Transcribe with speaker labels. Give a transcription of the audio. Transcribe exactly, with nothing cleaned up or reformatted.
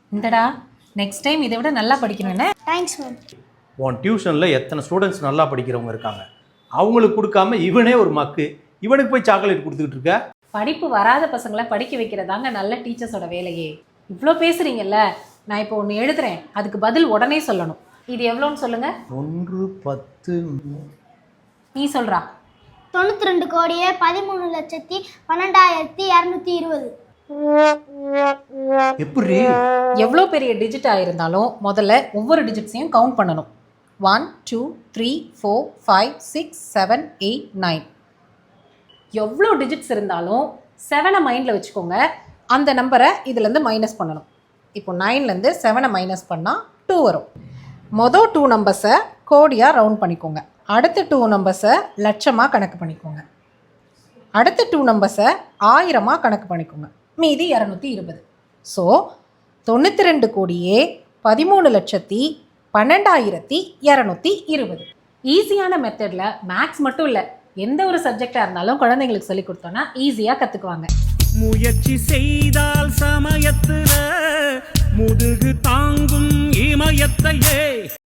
Speaker 1: இந்தடா next time இதை விட நல்லா படிக்கணும் என்ன?
Speaker 2: Thanks ma'am.
Speaker 3: உன் டியூஷனில் எத்தனை ஸ்டூடெண்ட்ஸ் நல்லா படிக்கிறவங்க இருக்காங்க, அவங்களுக்கு கொடுக்காம இவனே ஒரு மக்கு, இவனுக்கு போய் சாக்லேட் கொடுத்துக்கிட்டு இருக்க.
Speaker 1: படிப்பு வராத பசங்களை படிக்க வைக்கிறதாங்க நல்ல டீச்சர்ஸோட வேலையே. இவ்வளோ பேசுறீங்கல்ல, நான் இப்போ ஒன்று எழுதுறேன், அதுக்கு பதில் உடனே சொல்லணும். இது எவ்வளோன்னு சொல்லுங்க.
Speaker 3: ஒன்று பத்து.
Speaker 1: நீ சொல்றா.
Speaker 2: தொண்ணூற்றி ரெண்டு கோடியே பதிமூணு லட்சத்தி பன்னெண்டாயிரத்தி இரநூத்தி இருபது.
Speaker 3: எப்படி?
Speaker 1: எவ்வளோ பெரிய டிஜிட்டாக இருந்தாலும் முதல்ல ஒவ்வொரு டிஜிட்ஸையும் கவுண்ட் பண்ணணும். One two three four five six seven eight nine. எவ்வளோ டிஜிட்ஸ் இருந்தாலும் செவனை மைண்டில் வச்சுக்கோங்க. அந்த நம்பரை இதுலேருந்து மைனஸ் பண்ணணும். இப்போ நைன்லேருந்து செவனை மைனஸ் பண்ணால் டூ வரும். மொதல் டூ நம்பர்ஸை கோடியாக ரவுண்ட் பண்ணிக்கோங்க. அடுத்த டூ நம்பர்ஸை லட்சமாக கணக்கு பண்ணிக்கோங்க. அடுத்த டூ நம்பர்ஸை ஆயிரமாக கணக்கு பண்ணிக்கோங்க. மீதி இரநூத்தி இருபது. ஸோ தொண்ணூற்றி ரெண்டு கோடியே பதிமூணு லட்சத்தி பன்னெண்டாயிரத்தி இரநூத்தி இருபது. ஈஸியான மெத்தடில் மேக்ஸ் மட்டும் இல்லை, எந்த ஒரு சப்ஜெக்டாக இருந்தாலும் குழந்தைங்களுக்கு சொல்லி கொடுத்தோன்னா ஈஸியாக கற்றுக்குவாங்க.
Speaker 4: முயற்சி செய்தால் சமயத்துல முதுகு தாங்கும் இமயத்தையே